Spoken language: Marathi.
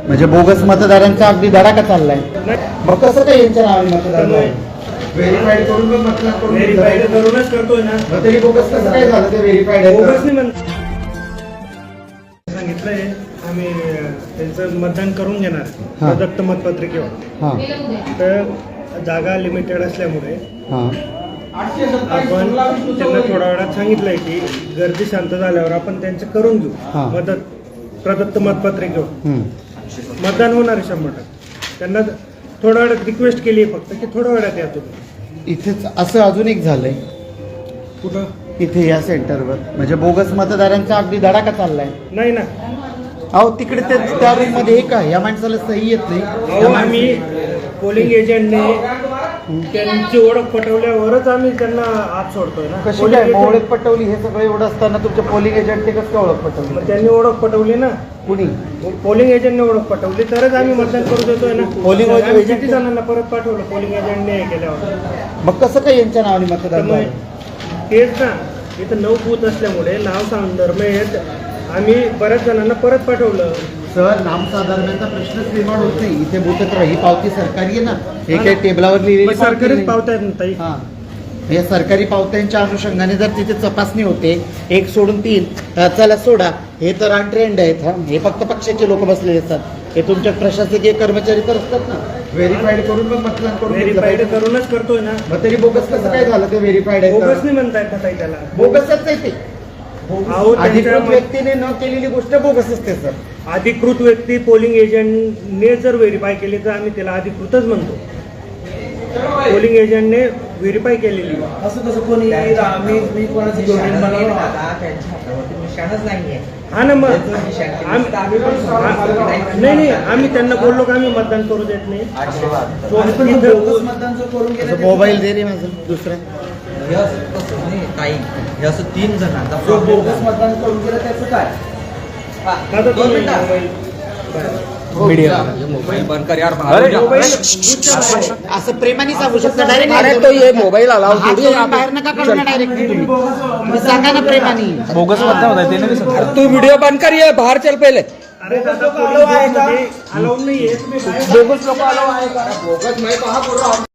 म्हणजे बोगस मतदारांचा अगदी धडाका चाललाय. मग कसं काय यांच्या नावाने मतदान व्हेरीफाईड करून पण मतदान करून व्हेरीफाईड करूनच करतोय ना. मग तरी बोगस कसं काय झालं ते व्हेरीफाईड बोगस नाही सांगितलंय आम्ही त्यांचं मतदान करून घेणार प्रदत्त मतपत्रिकेवर. तर जागा लिमिटेड असल्यामुळे आपण त्यांना थोड्या वेळात सांगितलंय की गर्दी शांत झाल्यावर आपण त्यांचं करून घेऊ प्रदत्त मतपत्रिकेवर मतदान होणार आहे 100%. त्यांना थोड्या वेळात रिक्वेस्ट केली आहे फक्त की थोड्या वेळात या तुम्ही. इथेच असं अजून एक झालंय कुठं इथे या सेंटरवर म्हणजे बोगस मतदारांचा अगदी धडाका चाललाय. नाही ना. अहो तिकडे त्या रूम मध्ये एक आहे, या माणसाला सही येत नाही. आम्ही पोलिंग एजंटने त्यांची ओळख पटवल्यावरच आम्ही त्यांना आत सोडतोय ना. कशी काय ओळख पटवली हे सगळं एवढं असताना तुमच्या पोलिंग एजंटने कसं काय ओळख पटवली? मग त्यांनी ओळख पटवली ना. कुणी? पोलिंग एजंटने ओळख पटवली तरच आम्ही मतदान करू देतोय ना. पोलिंग एजंट किती जणांना परत पाठवलं पोलिंग एजंटने हे केल्यावर. मग कसं काय यांच्या नावाने मतदान झालं? तेच ना, इथं 9 बूथ असल्यामुळे नाव संदर्भ येत आम्ही बऱ्याच जणांना परत पाठवलं. सर नाम साधारणाचा प्रश्नच निर्माण होत नाही. इथे बोलत ही पावती सरकारी आहे ना, हे काही टेबलावर लिहिलेली सरकारीच पावत्या आहेत ना ताई. या सरकारी पावत्यांच्या अनुषंगाने जर तिथे तपासणी होते 1 सोडून 3 चला सोडा, हे तर ट्रेंड आहेत. हे फक्त पक्षाचे लोक बसलेले असतात. हे तुमच्या प्रशासकीय कर्मचारी तर असतात ना. व्हेरीफाईड करून पण मतदान करून व्हेरीफाईड करूनच करतोय ना. मग तरी बोगस कसं काय झालं ते व्हेरीफाईड आहे? बोगस नाही म्हणतायत ना ताई त्याला. बोगसच आहे ते. अधिकृत व्यक्तीने न केलेली गोष्ट बोगस असते सर. अधिकृत व्यक्ती पोलिंग एजंटने जर व्हेरीफाय केली तर आम्ही त्याला अधिकृतच म्हणतो. पोलिंग एजंटने व्हेरीफाय केलेली. असं कसं कोणी मी कोणाचं डोमेन बनवलं त्यांच्या हातावरती निशाणच नाहीये. हा ना. मग नाही आम्ही त्यांना बोललो की आम्ही मतदान करू देत नाही. मतदान जर करून गेलं मोबाईल दे रे माझं दुसरा. हे असं कसं नाही ताई, हे असं 3 जणांचा बोगस मतदान करून गेलं त्याचं काय? मोबाईल बंद कर यार. असं प्रेमाने सांगू शकता डायरेक्ट. अरे तो ये मोबाईल आला बाहेर नका काढू ना डायरेक्ट. तुम्ही सांगा ना प्रेमाने. बोगस मतदान होता ते नाही. तू व्हिडिओ बंद कर, ये बाहेर चल पहिले. अरे दादा अलाउड नाहीये. बोगस लोक आलो आहे का? बोगस नाही पहा.